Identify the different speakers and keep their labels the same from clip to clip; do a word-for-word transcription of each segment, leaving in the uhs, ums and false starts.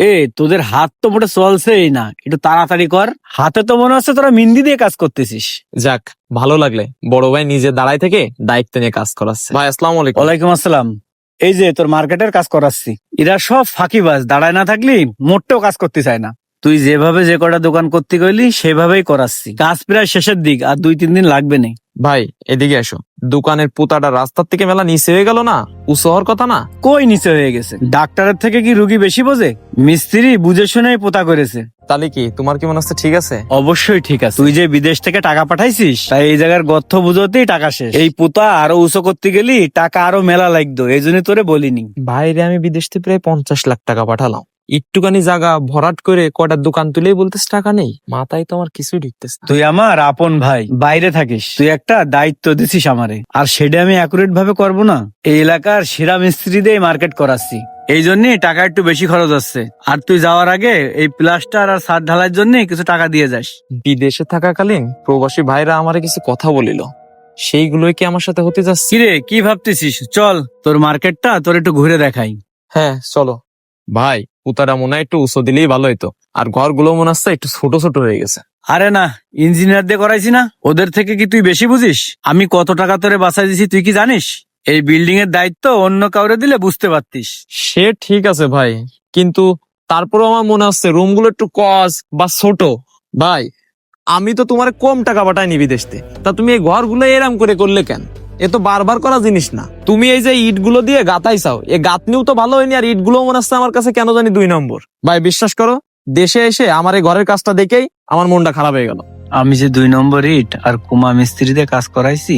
Speaker 1: এ তোদের হাত তো মোটে চলছেই না, একটু তাড়াতাড়ি কর। হাতে তো মনে হচ্ছে তোরা মিন্দি দিয়ে কাজ করতেছিস।
Speaker 2: যাক, ভালো লাগলে বড় ভাই নিজে দাঁড়ায় থেকে দায়িত্ব নিয়ে কাজ করাচ্ছে। ভাই আসসালামু আলাইকুম।
Speaker 1: ওয়ালাইকুম আসসালাম। এই যে তোর মার্কেটের কাজ করাচ্ছি, এরা সব ফাঁকিবাজ, দাঁড়ায় না থাকলি মোটেও কাজ করতে চায় না। তুই যেভাবে যে কটা দোকান করতে গেলি সেভাবেই করাচ্ছি। কাজ প্রায় শেষের দিক, আর দুই তিন দিন লাগবে না।
Speaker 2: ভাই এদিকে এসো, দোকানের পুতাটা রাস্তার থেকে মেলা নিচে হয়ে গেল না? উঁচু হওয়ার কথা না?
Speaker 1: কই নিচে হয়ে গেছে? ডাক্তারের থেকে কি রুগী বেশি বোঝে? মিস্ত্রি বুঝে শুনেই পোতা করেছে।
Speaker 2: তাহলে কি তোমার কি মনে হচ্ছে ঠিক আছে?
Speaker 1: অবশ্যই ঠিক আছে। তুই যে বিদেশ থেকে টাকা পাঠাইছিস, তাই এই জায়গার গর্থ বুঝতেই টাকা শেষ। এই পোতা আরো উঁচু করতে গেলি টাকা আরো মেলা লাগতো, এই জন্য তোরে বলিনি।
Speaker 2: বাইরে আমি বিদেশ থেকে প্রায় পঞ্চাশ লাখ টাকা পাঠালাম, একটুখানি জায়গা ভরাট করে কয়টা দোকান তুলেই বলতেছ টাকা নেই। মাথায় তো আমার কিছুই ঢুকতেছে না।
Speaker 1: তুই আমার আপন ভাই, বাইরে থাকিস, তুই একটা দায়িত্ব দিছিস আমারে, আর সেটা আমি অ্যাকুরেট ভাবে করবো না? এই এলাকার সেরা মিস্ত্রি দিয়ে মার্কেট করাচ্ছি, এই জন্য টাকা একটু বেশি খরচ হচ্ছে। আর তুই যাওয়ার আগে এই প্লাস্টার আর ছাদ ঢালাইয়ের জন্য কিছু টাকা দিয়ে যাস।
Speaker 2: বিদেশে থাকাকালীন প্রবাসী ভাইরা আমারে কিছু কথা বলিল, সেইগুলোই কি আমার সাথে হতে যাচ্ছে?
Speaker 1: কিরে, কি ভাবতেছিস? চল তোর মার্কেটটা তোর একটু ঘুরে দেখাই।
Speaker 2: হ্যাঁ চলো। ভাই পুতারা মনে হয় একটু উঁচু দিলেই ভালো হইতো, আর ঘরগুলো মনে হচ্ছে একটু ছোট ছোট হয়ে গেছে।
Speaker 1: আরে না, ইঞ্জিনিয়ার দিয়ে করাইছি না, ওদের থেকে কি তুই বেশি বুঝিস? আমি কত টাকা তোরে বাঁচাই দিছি তুই কি জানিস? এই বিল্ডিং এর দায়িত্ব অন্য কাউরে দিলে বুঝতে পারতিস।
Speaker 2: সে ঠিক আছে ভাই, কিন্তু তারপরেও আমার মনে হচ্ছে রুমগুলো একটু কস বা ছোট। ভাই আমি তো তোমার কম টাকা পাঠাইনি বিদেশ থেকে, তা তুমি এই ঘরগুলো এরাম করে করলে কেন? এ তো বারবার করা জিনিস না। তুমি এই যে ইট গুলো দিয়ে গাতাইছাও, এ গাঁথনিও তো ভালো হয়নি, আর ইট গুলো মনে হচ্ছে আমার কাছে কেন জানি দুই নম্বর। ভাই বিশ্বাস করো, দেশে এসে আমার এই ঘরের কাজটা দেখেই আমার মনটা খারাপ হয়ে গেল।
Speaker 1: আমি যে দুই নম্বর ইট আর কুমা মিস্ত্রি দিয়ে কাজ করাইছি,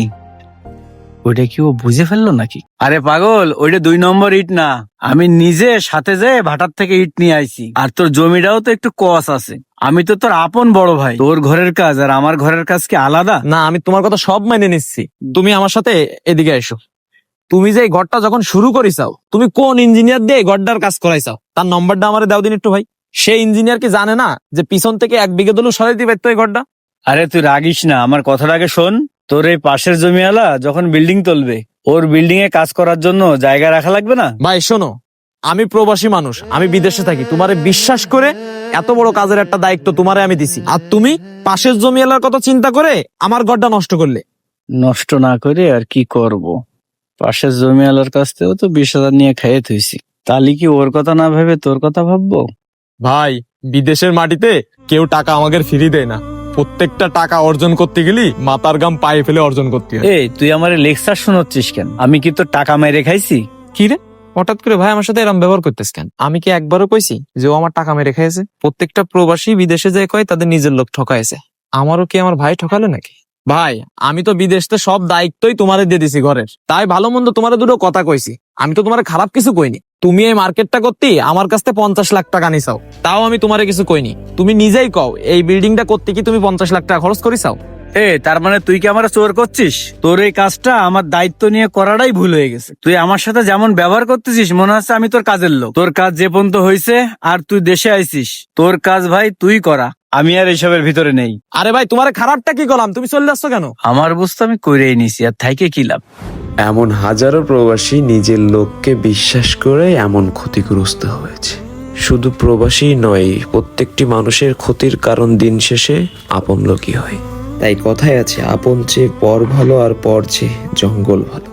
Speaker 1: ওইটা কি ও বুঝে ফেললো নাকি? আরে পাগল, ওইটা দুই নম্বর ইট না, আমি নিজে সাথে যেয়ে ভাটার থেকে ইট নিয়ে আইছি। আর তোর জমিটাও তো একটু কস আছে। আমি তো তোর আপন বড় ভাই, তোর ঘরের কাজ আর আমার ঘরের কাজ কি আলাদা?
Speaker 2: না, আমি তোমার কথা সব মেনে নিচ্ছি, তুমি আমার সাথে এদিকে এসো। তুমি যে এই ঘরটা যখন শুরু করিসাও, তুমি কোন ইঞ্জিনিয়ার দিয়ে এই ঘরটার কাজ করাইছাও তার নম্বরটা আমারে দাও দিন একটু ভাই। সেই ইঞ্জিনিয়ার কি জানে না যে পিছন থেকে এক বিঘে দলু সরাই দিবে তো এই ঘরটা?
Speaker 1: আরে তুই রাগিস না, আমার কথাটা আগে শোন। তোর এই পাশের জমিওয়ালা যখন বিল্ডিং তুলবে, ওর বিল্ডিং এ কাজ করার জন্য জায়গা রাখা লাগবে না?
Speaker 2: ভাই শোনো, আমি প্রবাসী মানুষ, আমি বিদেশে থাকি, তোমারে বিশ্বাস করে এত বড় কাজের একটা দায়িত্ব তোমারে আমি দিছি, আর তুমি পাশের জমিওয়ালার কথা চিন্তা করে আমার ঘরটা নষ্ট করলে।
Speaker 1: নষ্ট না করে আর কি করব? পাশের জমিওয়ালার কাছ থেকেও তো বিশ হাজার নিয়ে খাইয়ে থইছি, তাহলে কি ওর কথা না ভেবে তোর কথা ভাববো?
Speaker 2: ভাই বিদেশের মাটিতে কেউ টাকা আমাদের ফিরি দেয় না, প্রত্যেকটা টাকা অর্জন করতে গেলি মাথার গাম পায়ে ফেলে অর্জন করতে হয়।
Speaker 1: এই তুই আমার লেকচার শোনাচ্ছিস কেন? আমি কি তোর টাকা মেরে খাইছি?
Speaker 2: কি রে, হঠাৎ করে ভাই আমার সাথে এরকম ব্যবহার করতেছ কেন? আমি কি একবারও কইছি যে ও আমার টাকা মেরে খাইছে? প্রত্যেকটা প্রবাসী বিদেশে যায় কয় তাদের নিজের লোক ঠকাইছে, আমারও কি আমার ভাই ঠকালো নাকি? ভাই আমি তো বিদেশে সব দায়িত্বই তোমারে দিয়ে দিছি ঘরের, তাই ভালো মন্দ তোমারে দুটো কথা কইছি, আমি তো তোমারে খারাপ কিছু কইনি। তুমি এই মার্কেটটা করতে আমার কাছ থেকে পঞ্চাশ লাখ টাকা নিছাও, তাও আমি তোমারে কিছু কইনি। তুমি নিজেই কও এই বিল্ডিংটা করতে কি তুমি পঞ্চাশ লাখ টাকা খরচ করিছাও?
Speaker 1: এ তার মানে তুই কি আমার চোর করছিস? তোর এই কাজটা আমার দায়িত্ব নিয়ে করাটাই ভুল হয়ে গেছে। তুই আমার সাথে যেমন ব্যবহার করতেছিস মনে হচ্ছে আমি তোর কাজের লোক। তোর কাজ যে পর্যন্ত হয়েছে আর তুই দেশে আইছিস, তোর কাজ ভাই তুই করা, আমি আর এইসবের ভিতরে নেই।
Speaker 2: আরে ভাই তোমার খারাপটা কি করলাম? তুমি চলে যাচ্ছ কেন?
Speaker 1: আমার বুঝতে আমি করেই নিছি, আর থাইকে কি লাভ?
Speaker 3: এমন হাজারো প্রবাসী নিজের লোককে বিশ্বাস করে এমন ক্ষতিগ্রস্ত হয়েছে। শুধু প্রবাসী নয়, প্রত্যেকটি মানুষের ক্ষতির কারণ দিন শেষে আপন লোকই হয়। তাই কথায় আছে, আপন চেয়ে পর ভালো আর পর চেয়ে জঙ্গল ভালো।